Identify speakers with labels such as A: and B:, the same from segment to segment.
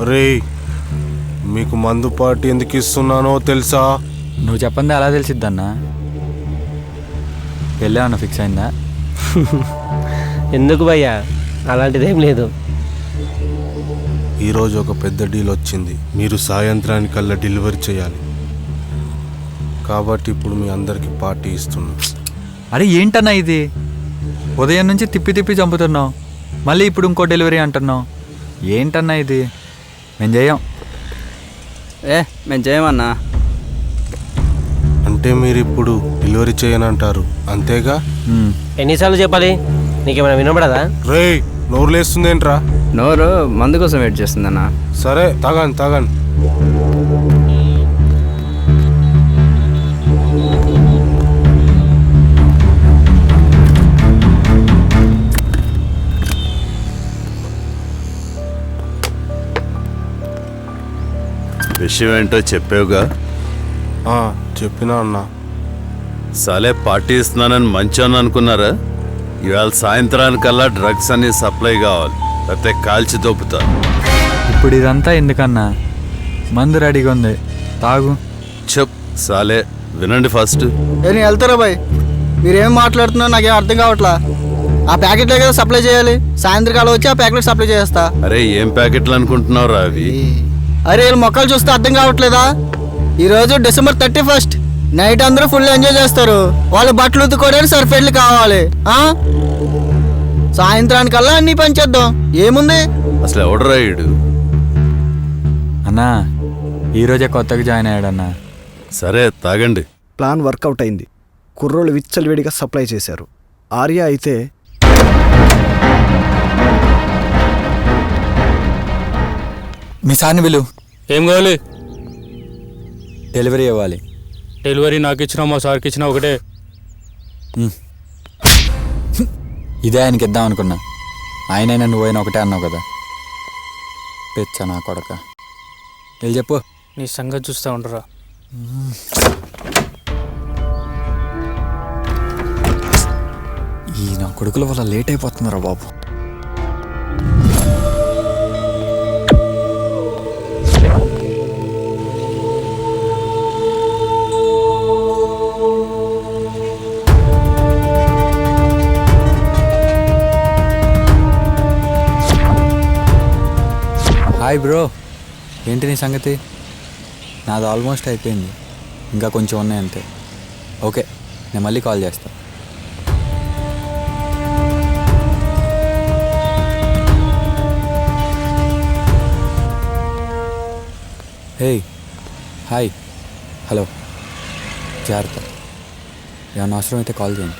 A: రే, మీకు మందు పార్టీ ఎందుకు ఇస్తున్నానో తెలుసా?
B: నువ్వు చెప్పండి అలా తెలిసిద్దన్నా. వెళ్ళామన్నా ఫిక్స్ అయిందా?
C: ఎందుకు భయ్యా, అలాంటిదేం లేదు.
A: ఈరోజు ఒక పెద్ద డీల్ వచ్చింది. మీరు సాయంత్రానికల్లా డెలివరీ చేయాలి. కాబట్టి ఇప్పుడు మీ అందరికి పార్టీ ఇస్తున్నా.
B: అరే ఏంటన్నా ఇది? ఉదయం నుంచి తిప్పి తిప్పి చంపుతున్నావు, మళ్ళీ ఇప్పుడు ఇంకో డెలివరీ అంటున్నావు. ఏంటన్నా ఇది? మేము చేయం.
D: మేము చేయమన్నా.
A: అంటే మీరు ఇప్పుడు డెలివరీ చేయనంటారు అంతేగా?
C: ఎన్నిసార్లు చెప్పాలి? నీకేమైనా వినపడదా?
A: రే, నోరు లేస్తుందేంట్రా?
D: నోరు మందు కోసం వెయిట్ చేస్తుందన్నా.
A: సరే తాగండి తాగండి.
E: విషయం ఏంటో చెప్పావుగా?
A: చెప్పినా అన్నా.
E: సలే పార్టీ ఇస్తున్నానని మంచోని అనుకున్నారా? ఇవాళ సాయంత్రానికల్లా డ్రగ్స్ అన్ని సప్లై కావాలి, లేకపోతే కాల్చి దొప్పుతా.
B: ఇప్పుడు ఇదంతా ఎందుకన్నా? మందు రెడీగా ఉంది, తాగు.
E: సాలే వినండి ఫస్ట్.
F: నేను వెళ్తారా బాయ్? మీరేం మాట్లాడుతున్నా నాకేం అర్థం కావట్లా. ఆ ప్యాకెట్లే కదా సప్లై చేయాలి. సాయంత్రకాలం వచ్చి ఆ ప్యాకెట్ సప్లై చేస్తా.
E: అరే ఏం ప్యాకెట్లు అనుకుంటున్నావు అవి?
F: అరే వీళ్ళ మొక్కలు చూస్తే అర్థం కావట్లేదా? ఈరోజు December 31st నైట్ అందరూ ఫుల్ ఎంజాయ్ చేస్తారు. వాళ్ళు బట్టలు ఉతుక్కోవడానికి సర్ఫెట్లు కావాలి. సాయంత్రానికల్లా అన్ని పనిచేద్దాం. ఏముంది?
E: అసలు ఎవడు రాయుడు?
B: అన్నా ఈరోజే కొత్తగా జాయిన్ అయ్యాడన్నా.
E: సరే తాగండి.
G: ప్లాన్ వర్కౌట్ అయింది. కుర్రోళ్ళు విచ్చలవిడిగా సప్లై చేశారు. ఆర్య అయితే
B: మీ సార్ని విలు.
H: ఏం కావాలి?
B: డెలివరీ ఇవ్వాలి.
H: డెలివరీ నాకు ఇచ్చినా మా సార్కి ఇచ్చినా ఒకటే.
B: ఇదే ఆయనకి ఇద్దాం అనుకున్నా. ఆయనైనా నువ్వైనా ఒకటే అన్నావు కదా. పెచ్చా నా కొడక. వెళ్ళి చెప్పు.
H: నీ సంగతి చూస్తూ ఉండరా.
B: ఈ నా కొడుకుల వల్ల లేట్ అయిపోతున్నారా బాబు. హాయ్ బ్రో, ఏంటి నీ సంగతి? నాది ఆల్మోస్ట్ అయిపోయింది, ఇంకా కొంచెం ఉన్నాయి అంతే. ఓకే, నేను మళ్ళీ కాల్ చేస్తా. హే హాయ్, హలో, జాగ్రత్త. ఏమన్నా అవసరం అయితే కాల్ చేయండి.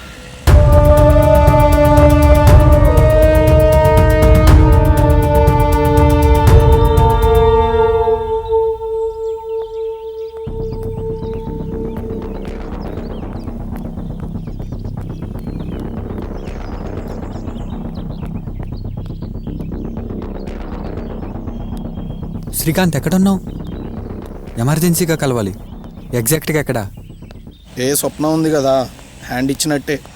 B: శ్రీకాంత్ ఎక్కడున్నావు? ఎమర్జెన్సీగా కలవాలి. ఎగ్జాక్ట్గా ఎక్కడా?
G: ఏ స్వప్నం ఉంది కదా, హ్యాండ్ ఇచ్చినట్టే.